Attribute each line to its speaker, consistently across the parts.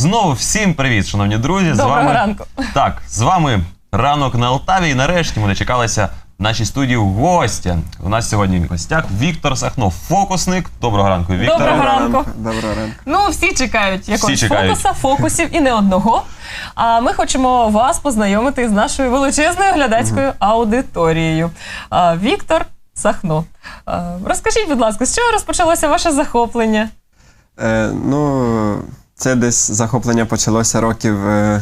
Speaker 1: Знову всім привіт, шановні друзі.
Speaker 2: Доброго ранку.
Speaker 1: Так, з вами «Ранок на Алтаві». І нарешті ми дочекалися в нашій студії гостя. У нас сьогодні в гостях Віктор Сахно, фокусник. Доброго ранку, Віктор.
Speaker 2: Доброго ранку.
Speaker 3: Доброго ранку.
Speaker 2: Ну, всі чекають якогось
Speaker 1: чекають.
Speaker 2: фокусів і не одного. А ми хочемо вас познайомити з нашою величезною глядацькою аудиторією. Віктор Сахно. Розкажіть, будь ласка, з чого розпочалося ваше захоплення?
Speaker 3: Це десь захоплення почалося років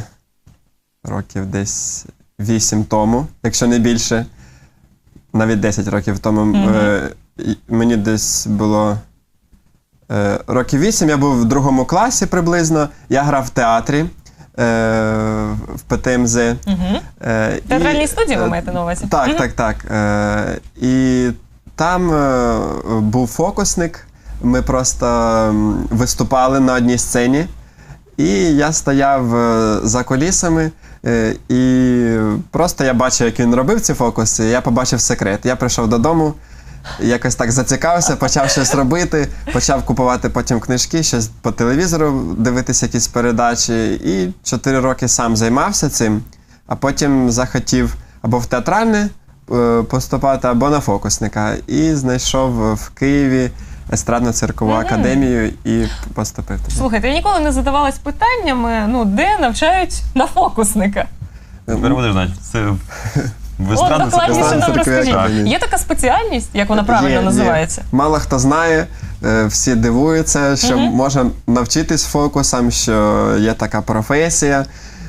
Speaker 3: десь 8 тому, якщо не більше. Навіть 10 років тому. Мені десь було років 8, я був в 2 класі приблизно. Я грав в театрі в ПТМЗ.
Speaker 2: Театральній студії ви маєте на увазі?
Speaker 3: Так. І там був фокусник. Ми просто виступали на одній сцені, і я стояв за кулісами, і просто я бачив, як він робив ці фокуси, і я побачив секрет. Я прийшов додому, якось так зацікавився, почав щось робити, почав купувати потім книжки, щось по телевізору дивитися, якісь передачі, і 4 роки сам займався цим, а потім захотів або в театральне поступати, або на фокусника, і знайшов в Києві естрадно-циркову академію і поступив туди.
Speaker 2: Слухайте, я ніколи не задавалась питаннями, де навчають на фокусника.
Speaker 1: Тепер будеш знати, це в
Speaker 2: От докладніше нам розкажіть.
Speaker 3: академії.
Speaker 2: Є така спеціальність, як вона правильно називається?
Speaker 3: Мало хто знає, всі дивуються, що можна навчитись фокусам, що є така професія.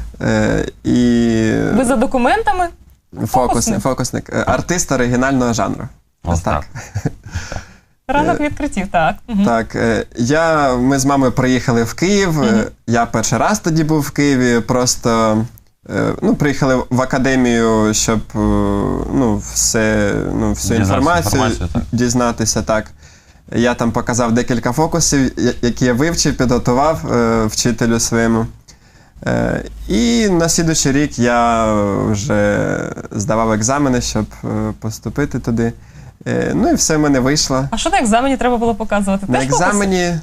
Speaker 2: Ви за документами?
Speaker 3: Фокусник. Артист оригінального жанру.
Speaker 1: Ось так.
Speaker 2: Ранок відкриттів, так.
Speaker 3: Так, ми з мамою приїхали в Київ, я перший раз тоді був в Києві, просто приїхали в академію, щоб всю інформацію дізнатися. Так. Я там показав декілька фокусів, які я вивчив, підготував вчителю своєму. І на слідуючий рік я вже здавав екзамени, щоб поступити туди. Ну і все в мене вийшло.
Speaker 2: А що на екзамені треба було показувати?
Speaker 3: На екзамені,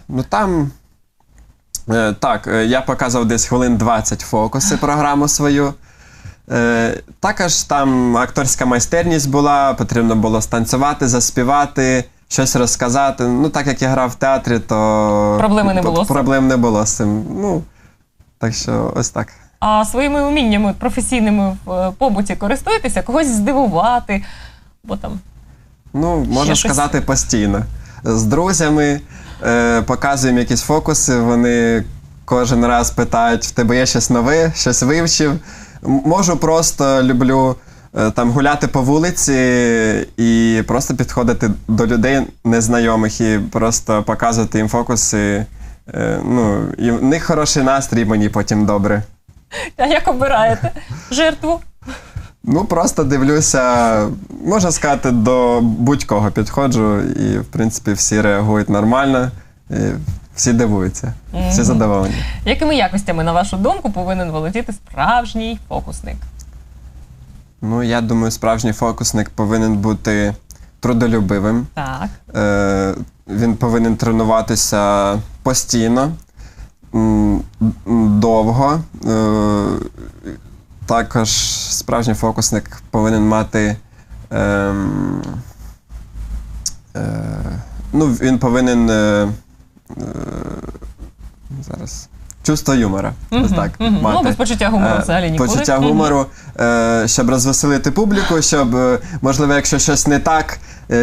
Speaker 3: я показував десь хвилин 20 фокуси, програму свою. Також там акторська майстерність була, потрібно було станцювати, заспівати, щось розказати. Так як я грав в театрі, то проблем не було з цим. Так що ось так.
Speaker 2: А своїми уміннями професійними в побуті користуєтеся? Когось здивувати? Бо там...
Speaker 3: можна сказати, постійно. З друзями показуємо якісь фокуси, вони кожен раз питають, в тебе є щось нове, щось вивчив. Можу просто, люблю гуляти по вулиці і просто підходити до людей незнайомих і просто показувати їм фокуси. І в них хороший настрій, мені потім добре.
Speaker 2: А як обираєте жертву?
Speaker 3: Просто дивлюся, можна сказати, до будь-кого підходжу, і, в принципі, всі реагують нормально, і всі дивуються, всі задоволені.
Speaker 2: Якими якостями, на вашу думку, повинен володіти справжній фокусник?
Speaker 3: Я думаю, справжній фокусник повинен бути трудолюбивим.
Speaker 2: Так.
Speaker 3: Він повинен тренуватися постійно, довго. Також справжній фокусник повинен мати, він повинен чувство юмора. Ось так, мати.
Speaker 2: Без почуття гумору взагалі ніколи.
Speaker 3: Почуття гумору, щоб розвеселити публіку, щоб, можливо, якщо щось не так,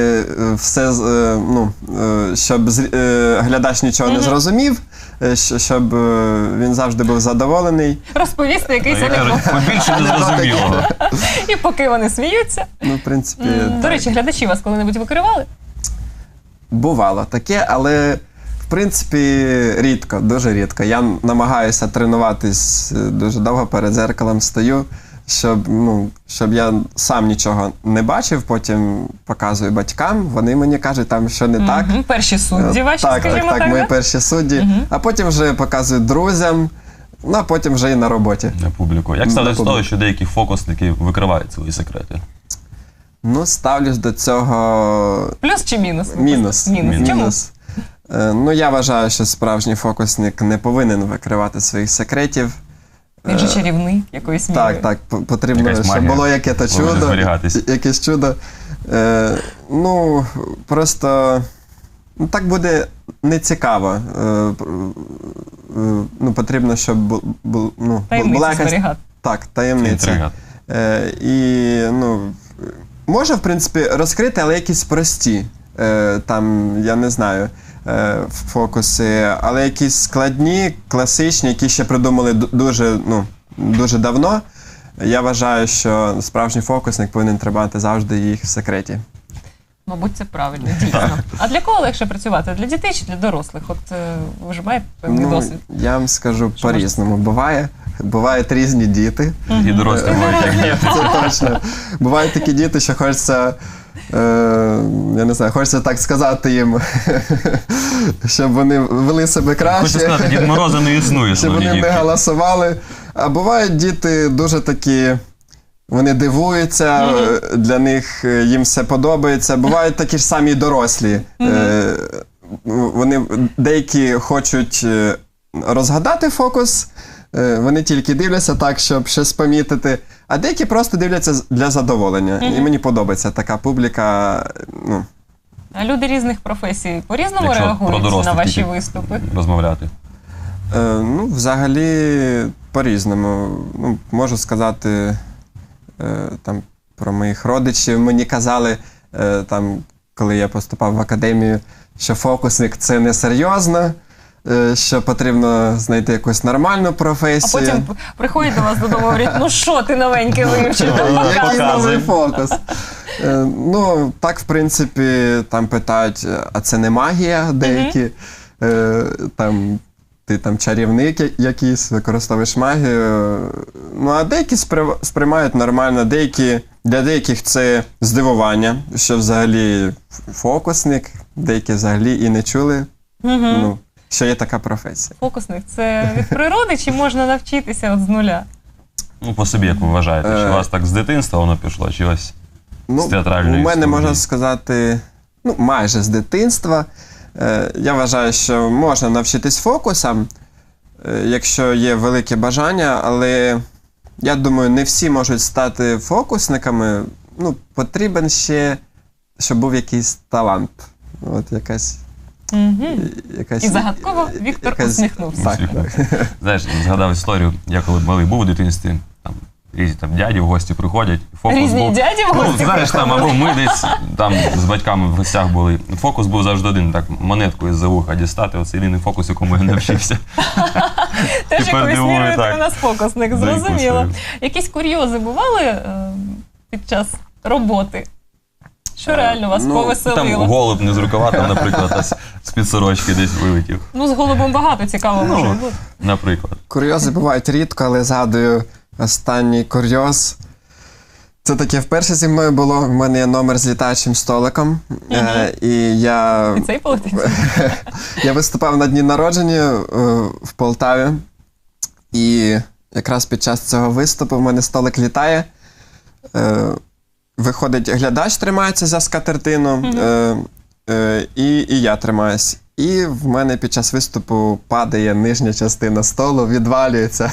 Speaker 3: щоб глядач нічого не зрозумів, щоб він завжди був задоволений.
Speaker 2: Розповісти якийсь анекдот.
Speaker 1: Побільше не зрозуміло.
Speaker 2: І поки вони сміються.
Speaker 3: В принципі,
Speaker 2: До речі, глядачі вас коли-небудь викривали?
Speaker 3: Бувало таке, але в принципі рідко, дуже рідко. Я намагаюся тренуватись дуже довго, перед дзеркалом стою, щоб я сам нічого не бачив, потім показую батькам, вони мені кажуть, там що не так.
Speaker 2: Перші судді ваші, скажімо так?
Speaker 3: Так, мої перші судді. А потім вже показую друзям, а потім вже і на роботі.
Speaker 1: На публіку. Як ставитесь до того, що деякі фокусники викривають свої секрети?
Speaker 3: Ставлюсь до цього...
Speaker 2: Плюс чи мінус?
Speaker 3: Мінус.
Speaker 2: Чому?
Speaker 3: Ну, я вважаю, що справжній фокусник не повинен викривати своїх секретів.
Speaker 2: Він же чарівний якоюсь мірою.
Speaker 3: Так, потрібно,
Speaker 1: Якась
Speaker 3: щоб
Speaker 1: магія
Speaker 3: було якесь
Speaker 1: повинна
Speaker 3: чудо.
Speaker 1: зберігатись.
Speaker 3: Якесь чудо. Ну, просто так буде нецікаво. Ну, потрібно, щоб була
Speaker 2: Таємницю
Speaker 3: якась...
Speaker 2: зберігати.
Speaker 3: Так, таємниця.
Speaker 1: Інтрига.
Speaker 3: І, ну, може, в принципі, розкрити, але якісь прості. Там, я не знаю, фокуси, але якісь складні, класичні, які ще придумали дуже давно. Я вважаю, що справжній фокусник повинен тримати завжди їх в секреті.
Speaker 2: Мабуть, це правильно, дійсно. А для кого легше працювати? Для дітей чи для дорослих? От ви ж маєте певний досвід.
Speaker 3: Я вам скажу
Speaker 2: Що
Speaker 3: по-різному. Бувають різні діти.
Speaker 1: І дорослі бувають як діти.
Speaker 3: Це точно. Бувають такі діти, що хочеться, я не знаю, хочеться так сказати їм, щоб вони вели себе
Speaker 1: Хочу
Speaker 3: краще,
Speaker 1: сказати, Дід Мороза не існує,
Speaker 3: щоб
Speaker 1: шановні
Speaker 3: вони не
Speaker 1: дітки.
Speaker 3: галасували. А бувають діти дуже такі, вони дивуються, для них їм все подобається. Бувають такі ж самі дорослі. Вони деякі хочуть розгадати фокус, вони тільки дивляться так, щоб щось помітити, а деякі просто дивляться для задоволення. І мені подобається така публіка. Ну.
Speaker 2: А люди різних професій по-різному
Speaker 1: Якщо про
Speaker 2: реагують на
Speaker 1: дорослих
Speaker 2: ваші
Speaker 1: тільки
Speaker 2: виступи?
Speaker 1: розмовляти.
Speaker 3: Ну, взагалі, по-різному. Ну, можу сказати там, про моїх родичів. Мені казали, там, коли я поступав в академію, що фокусник – це несерйозно, що потрібно знайти якусь нормальну
Speaker 2: А
Speaker 3: професію.
Speaker 2: потім приходять до вас додому і говорять, ну що ти новеньке вивчив? там
Speaker 3: Який
Speaker 2: показуй».
Speaker 3: новий фокус? Ну, так, в принципі, там питають, а це не магія деякі? Там, ти там чарівник якийсь, використовуєш магію. Ну, а деякі сприймають нормально, для деяких це здивування, що взагалі фокусник, деякі взагалі і не чули, ну, що є така професія.
Speaker 2: Фокусник – це від природи чи можна навчитися от з нуля?
Speaker 1: Ну, по собі, як ви вважаєте, чи у вас так з дитинства воно пішло, чи ось з
Speaker 3: У
Speaker 1: театральної
Speaker 3: мене,
Speaker 1: студії?
Speaker 3: можна сказати, ну, майже з дитинства. Я вважаю, що можна навчитись фокусам, якщо є велике бажання, але я думаю, не всі можуть стати фокусниками. Ну, потрібен ще, щоб був якийсь талант. От якась...
Speaker 2: І загадково Віктор усміхнувся.
Speaker 3: Так, так.
Speaker 1: Знаєш, згадав історію, я коли малий був у дитинстві, там різні там дяді в гості приходять. Фокус
Speaker 2: Різні
Speaker 1: був,
Speaker 2: дяді в
Speaker 1: ну,
Speaker 2: гості
Speaker 1: знаєш, там, або ми десь там з батьками в гостях були. Фокус був завжди один, так, монетку із-за вуха дістати. Оце єдиний фокус, якому я не навчився.
Speaker 2: Теж
Speaker 1: Тепер
Speaker 2: якоюсь
Speaker 1: дивую,
Speaker 2: мірою ти
Speaker 1: так.
Speaker 2: у нас фокусник,
Speaker 1: За якусь
Speaker 2: зрозуміло.
Speaker 1: свою.
Speaker 2: Якісь курйози бували під час роботи? Що реально вас
Speaker 3: ну,
Speaker 1: Там
Speaker 2: повеселило?
Speaker 1: голуб не з рукава, там, наприклад, з-під сорочки десь вилетів.
Speaker 2: Ну, з голубом багато цікаво може бути.
Speaker 1: Наприклад.
Speaker 3: Курйози бувають рідко, але згадую останній курйоз. Це таке вперше зі мною було. В мене є номер з літаючим столиком. І
Speaker 2: І цей полетить?
Speaker 3: я виступав на дні народження в Полтаві. І якраз під час цього виступу в мене столик літає. Виходить, глядач тримається за скатертину, і я тримаюсь. І в мене під час виступу падає нижня частина столу, відвалюється.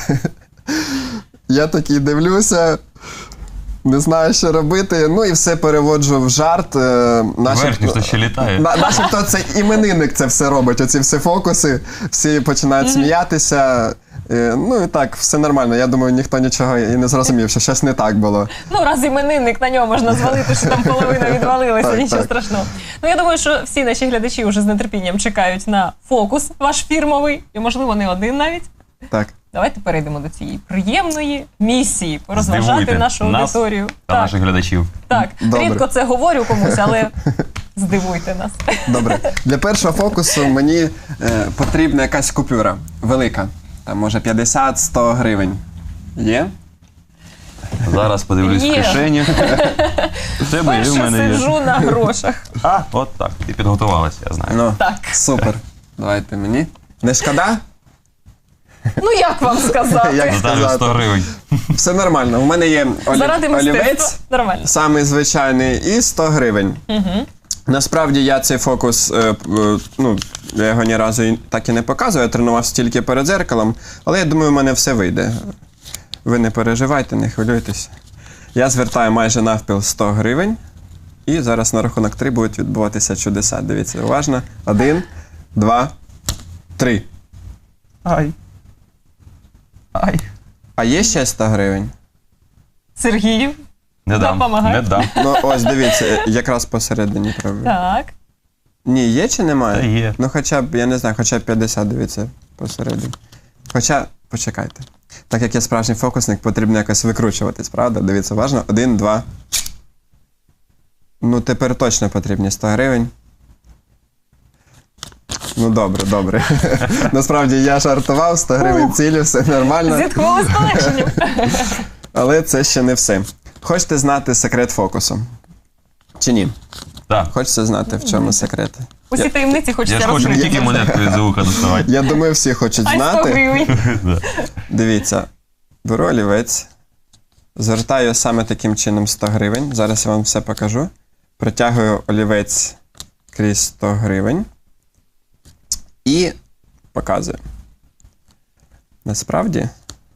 Speaker 3: Я такий дивлюся, не знаю, що робити. Ну і все переводжу в жарт.
Speaker 1: Верхній, що ще літає.
Speaker 3: Начебто це іменинник це все робить, оці всі фокуси, всі починають сміятися. Ну і так, все нормально. Я думаю, ніхто нічого і не зрозумів, що щось не так було.
Speaker 2: Ну, раз іменинник, на нього можна звалити, що там половина відвалилася,
Speaker 3: Так,
Speaker 2: нічого
Speaker 3: так.
Speaker 2: страшного. Ну, я думаю, що всі наші глядачі вже з нетерпінням чекають на фокус ваш фірмовий, і, можливо, не один навіть.
Speaker 3: Так.
Speaker 2: Давайте перейдемо до цієї приємної місії, порозважати
Speaker 1: Здивуйте
Speaker 2: нашу
Speaker 1: нас
Speaker 2: аудиторію.
Speaker 1: та наших глядачів.
Speaker 2: Так,
Speaker 3: Добре.
Speaker 2: рідко це говорю комусь, але здивуйте нас.
Speaker 3: Добре. Для першого фокусу мені потрібна якась купюра велика. Там, може, 50-100 гривень. Є?
Speaker 1: Зараз подивлюсь в
Speaker 2: Є.
Speaker 1: кишені. В тебе і в
Speaker 2: Перше
Speaker 1: мене є.
Speaker 2: сиджу на грошах.
Speaker 1: А, от так. Ти підготувалася, я знаю.
Speaker 3: Ну,
Speaker 2: Так.
Speaker 3: супер. Давайте мені. Не шкода?
Speaker 2: Ну, як вам сказати?
Speaker 3: Як
Speaker 1: Ставлю
Speaker 3: сказати?
Speaker 1: 100 гривень.
Speaker 3: Все нормально. У мене є
Speaker 2: Заради
Speaker 3: олівець,
Speaker 2: мистецтва. Нормально.
Speaker 3: самий звичайний, і 100 гривень. Насправді я цей фокус, я його ні разу так і не показую, я тренувався тільки перед дзеркалом, але я думаю, в мене все вийде. Ви не переживайте, не хвилюйтесь. Я звертаю майже навпіл 100 гривень, і зараз на рахунок 3 будуть відбуватися чудеса. Дивіться, уважно. 1, 2, 3.
Speaker 1: Ай. Ай.
Speaker 3: А є ще 100 гривень?
Speaker 2: Сергію,
Speaker 1: Не дам.
Speaker 2: допомагай.
Speaker 1: Не дам.
Speaker 3: Ну, ось, дивіться, якраз посередині пробую.
Speaker 2: Так.
Speaker 3: Ні, є чи немає?
Speaker 1: Та є.
Speaker 3: Ну, хоча б, я не знаю, хоча б 50, дивіться, посередині. Хоча, почекайте. Так як я справжній фокусник, потрібно якось викручуватись, правда? Дивіться, уважно. 1, 2. Ну, тепер точно потрібні 100 гривень. Ну, добре, добре. Насправді, я жартував, 100 гривень цілі, все нормально.
Speaker 2: Зітхнули з полегшенням.
Speaker 3: Але це ще не все. Хочете знати секрет фокусу? Чи ні?
Speaker 1: Так.
Speaker 3: Хочете знати, в чому секрет?
Speaker 2: Усі таємниці
Speaker 1: Я
Speaker 2: хочеться
Speaker 1: ж хочу не
Speaker 2: розкрити.
Speaker 1: тільки монетку з вуха доставати.
Speaker 3: Я думаю, всі хочуть
Speaker 2: А й 100
Speaker 3: знати.
Speaker 2: гривень.
Speaker 3: Дивіться, беру олівець, звертаю саме таким чином 100 гривень. Зараз я вам все покажу. Протягую олівець крізь 100 гривень і показую. Насправді,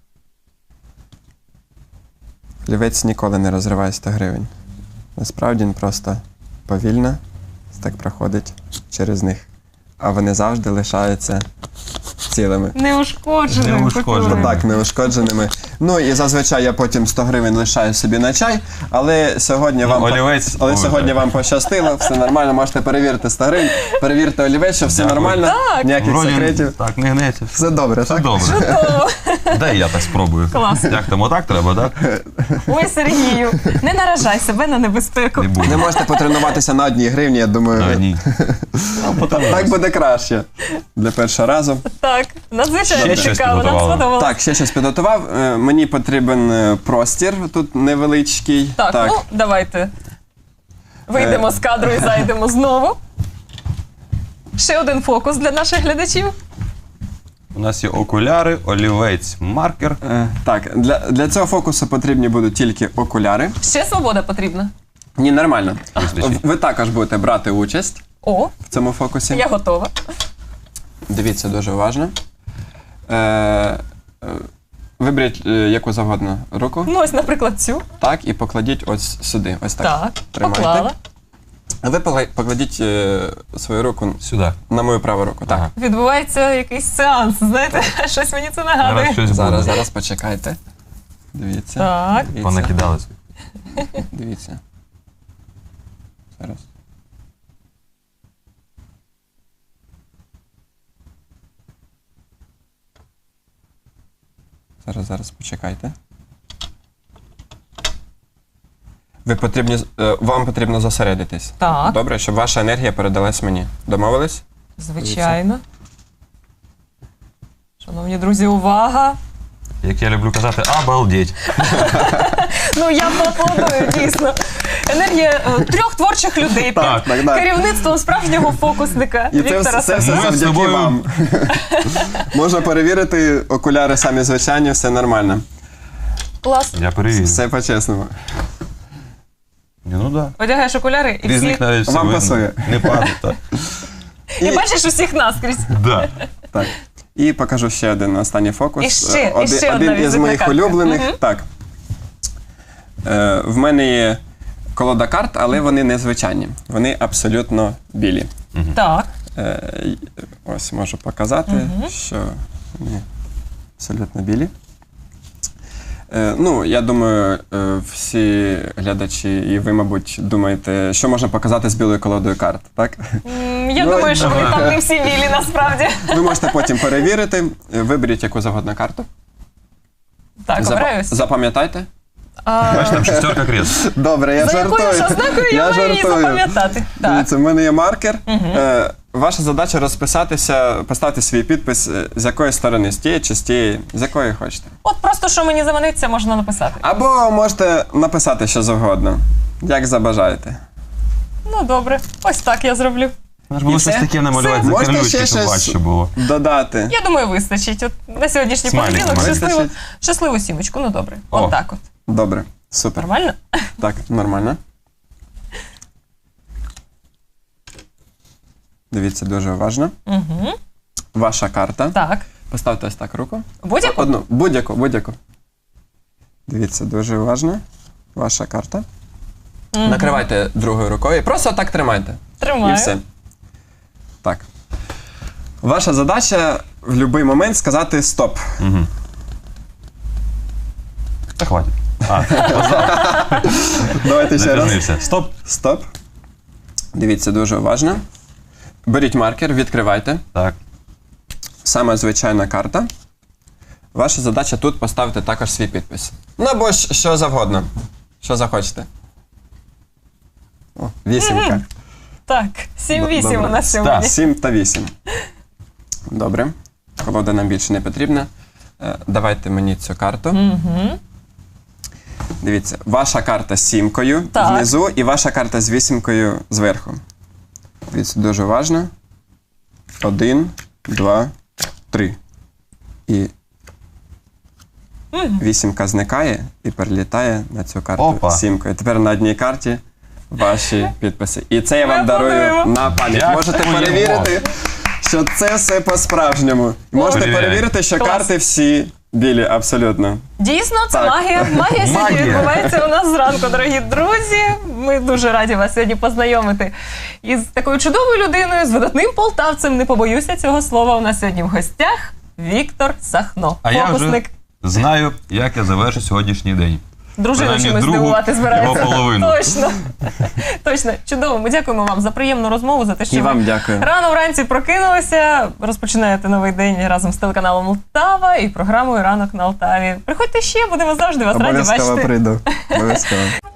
Speaker 3: олівець ніколи не розриває 100 гривень. Насправді він просто повільно так проходить через них. А вони завжди лишаються цілими.
Speaker 2: Неушкодженим.
Speaker 1: Неушкодженим.
Speaker 3: Так, неушкодженими. Ну і зазвичай я потім 100 гривень лишаю собі на чай, але сьогодні вам,
Speaker 1: олівець-
Speaker 3: але
Speaker 1: Ой,
Speaker 3: сьогодні
Speaker 1: так.
Speaker 3: вам пощастило, все нормально, можете перевірити 100 гривень, перевірте олівець, що все
Speaker 1: Дякую.
Speaker 3: нормально,
Speaker 2: Так.
Speaker 3: ніяких
Speaker 1: Вроді,
Speaker 3: секретів.
Speaker 1: так, не гнеться.
Speaker 3: Все добре,
Speaker 1: Все
Speaker 3: так?
Speaker 1: добре.
Speaker 2: Чудово.
Speaker 1: Дай я так спробую.
Speaker 2: Клас.
Speaker 1: Як там, отак треба, так?
Speaker 2: Ой, Сергію, не наражай себе на небезпеку.
Speaker 1: Не
Speaker 3: Не
Speaker 1: буду.
Speaker 3: можете потренуватися на 1 гривні, я думаю,
Speaker 1: А, ні.
Speaker 3: так буде краще для першого разу.
Speaker 2: Так, надзвичайно
Speaker 1: Ще щось
Speaker 2: цікаво, нам
Speaker 1: підготували?
Speaker 2: сподобалося.
Speaker 3: Так, ще щось підготував. Мені потрібен простір, тут невеличкий.
Speaker 2: Так, ну давайте вийдемо з кадру і зайдемо знову. Ще один фокус для наших глядачів.
Speaker 1: У нас є окуляри, олівець, маркер.
Speaker 3: Так, для цього фокусу потрібні будуть тільки окуляри.
Speaker 2: Ще свобода потрібна.
Speaker 3: Ні, нормально.
Speaker 1: Вистачить.
Speaker 3: Ви також будете брати участь
Speaker 2: О,
Speaker 3: в цьому фокусі.
Speaker 2: я готова.
Speaker 3: Дивіться дуже уважно. Виберіть яку завгодно руку.
Speaker 2: Ну, ось, наприклад, цю.
Speaker 3: Так, і покладіть ось сюди. Ось так.
Speaker 2: Так,
Speaker 3: Тримайте.
Speaker 2: поклала.
Speaker 3: А ви покладіть свою руку
Speaker 1: Сюди.
Speaker 3: на мою праву руку. Так.
Speaker 1: Ага.
Speaker 2: Відбувається якийсь сеанс, знаєте, щось мені це
Speaker 1: Зараз
Speaker 2: нагадує.
Speaker 1: щось буде.
Speaker 3: Зараз почекайте. Дивіться.
Speaker 2: Так.
Speaker 3: Дивіться.
Speaker 1: Понакидали.
Speaker 3: Дивіться. Зараз. Зараз почекайте. Вам потрібно зосередитись.
Speaker 2: Так.
Speaker 3: Добре, щоб ваша енергія передалась мені. Домовились?
Speaker 2: Звичайно. Шановні друзі, увага!
Speaker 1: Як я люблю казати, обалдеть.
Speaker 2: Ну, я поаплодую, дійсно. Енергія 3 творчих людей
Speaker 3: Так,
Speaker 2: під
Speaker 3: так.
Speaker 2: керівництвом справжнього фокусника
Speaker 3: І це
Speaker 2: Віктора
Speaker 3: все
Speaker 2: Сахно.
Speaker 1: Ми з
Speaker 3: завдяки
Speaker 1: тобою-
Speaker 3: вам. Можна перевірити, окуляри самі звичайні, все нормально.
Speaker 2: Клас.
Speaker 1: Я перевірю.
Speaker 3: Все по-чесному.
Speaker 1: Ні, ну так.
Speaker 2: Одягаєш окуляри і
Speaker 1: Різник
Speaker 2: всіх...
Speaker 1: навіть все
Speaker 3: Вам
Speaker 1: видно.
Speaker 3: пасує.
Speaker 1: Не падає, так.
Speaker 2: І бачиш усіх наскрізь.
Speaker 1: Да.
Speaker 3: Так. І покажу ще один останній фокус.
Speaker 2: І ще одна
Speaker 3: Один із
Speaker 2: візитна
Speaker 3: моїх
Speaker 2: картка.
Speaker 3: улюблених.
Speaker 2: Мгм.
Speaker 3: Так. В мене є колода карт, але вони незвичайні. Вони абсолютно білі.
Speaker 2: Так.
Speaker 3: Ось можу показати, що вони абсолютно білі. Ну, я думаю, всі глядачі і ви, мабуть, думаєте, що можна показати з білою колодою карт, так?
Speaker 2: Я
Speaker 3: Ну,
Speaker 2: думаю, що вони там не всі білі насправді.
Speaker 3: Ви можете потім перевірити, виберіть яку завгодно карту.
Speaker 2: Так, обираюсь.
Speaker 3: Запам'ятайте.
Speaker 1: Бачиш, там шестерка крест.
Speaker 3: Добре, я
Speaker 2: За
Speaker 3: жартую.
Speaker 2: якою ж ознакою я маю її запам'ятати? Так.
Speaker 3: Дивіться, в мене є маркер. Ваша задача розписатися, поставити свій підпис, з якої сторони, з тієї чи з тієї, з якої хочете.
Speaker 2: От просто, що мені заманеться, можна написати.
Speaker 3: Або можете написати що завгодно, як забажаєте.
Speaker 2: Ну, добре. Ось так я зроблю.
Speaker 1: Треба було щось
Speaker 2: все.
Speaker 1: таке намалювати
Speaker 3: Все.
Speaker 1: за
Speaker 3: Можете
Speaker 1: карлючки,
Speaker 3: ще
Speaker 1: щоб
Speaker 3: щось-
Speaker 1: важче було.
Speaker 3: Додати.
Speaker 2: Я думаю, вистачить. От на сьогоднішній
Speaker 1: Смайлик
Speaker 2: понеділок
Speaker 3: вистачить.
Speaker 2: щасливу сімочку. Ну, добре.
Speaker 1: О.
Speaker 2: От так от.
Speaker 3: Добре, супер.
Speaker 2: Нормально?
Speaker 3: Так, нормально. Дивіться дуже уважно.
Speaker 2: Угу.
Speaker 3: Ваша карта.
Speaker 2: Так.
Speaker 3: Поставте ось так руку.
Speaker 2: Будь-яку?
Speaker 3: Одну. Будь-яку. Дивіться дуже уважно. Ваша карта. Накривайте другою рукою. Просто так тримайте.
Speaker 2: Тримаю.
Speaker 3: І все. Так. Ваша задача в будь-який момент сказати стоп.
Speaker 1: Угу. Та хватить.
Speaker 3: Давайте ще раз.
Speaker 1: Запізнився. Стоп.
Speaker 3: Стоп. Дивіться дуже уважно. Беріть маркер, відкривайте.
Speaker 1: Так.
Speaker 3: Саме звичайна карта. Ваша задача тут поставити також свій підпис. Ну або що завгодно. Що захочете. О, 8.
Speaker 2: Так, 7-8 у
Speaker 3: Добре.
Speaker 2: нас сьогодні.
Speaker 3: 7 та 8. Добре. Колода нам більше не потрібна. Давайте мені цю карту.
Speaker 2: Угу.
Speaker 3: Дивіться, ваша карта з 7
Speaker 2: Так.
Speaker 3: внизу і ваша карта з 8 зверху. Дивіться, дуже уважно. 1, 2, 3. І 8 зникає і перелітає на цю карту
Speaker 1: Опа.
Speaker 3: з 7. Тепер на одній карті ваші підписи. І це я вам
Speaker 2: Ми
Speaker 3: дарую
Speaker 2: аплодуємо.
Speaker 3: на пам'ять.
Speaker 1: Дякуємо.
Speaker 3: Можете перевірити, що це все по-справжньому. Можете
Speaker 1: Перевіряй.
Speaker 3: перевірити, що
Speaker 2: Клас.
Speaker 3: карти всі білі, абсолютно.
Speaker 2: Дійсно, це
Speaker 3: Так.
Speaker 2: магія. Магія сьогодні
Speaker 1: Магія.
Speaker 2: відбувається у нас зранку, дорогі друзі. Ми дуже раді вас сьогодні познайомити із такою чудовою людиною, з видатним полтавцем. Не побоюся цього слова. У нас сьогодні в гостях Віктор Сахно.
Speaker 1: А я вже
Speaker 2: Фокусник.
Speaker 1: знаю, як я завершу сьогоднішній день.
Speaker 2: Дружину
Speaker 1: принаймні,
Speaker 2: чимось
Speaker 1: другу
Speaker 2: здивувати збирається.
Speaker 1: його половину.
Speaker 2: Точно. Точно. Чудово. Ми дякуємо вам за приємну розмову, за те, що
Speaker 3: І
Speaker 2: ви
Speaker 3: вам дякую.
Speaker 2: рано вранці прокинулися, розпочинаєте новий день разом з телеканалом Лтава і програмою «Ранок на Алтаві». Приходьте ще, будемо завжди вас раді
Speaker 3: Обов'язково
Speaker 2: бачити.
Speaker 3: прийду. Обов'язково.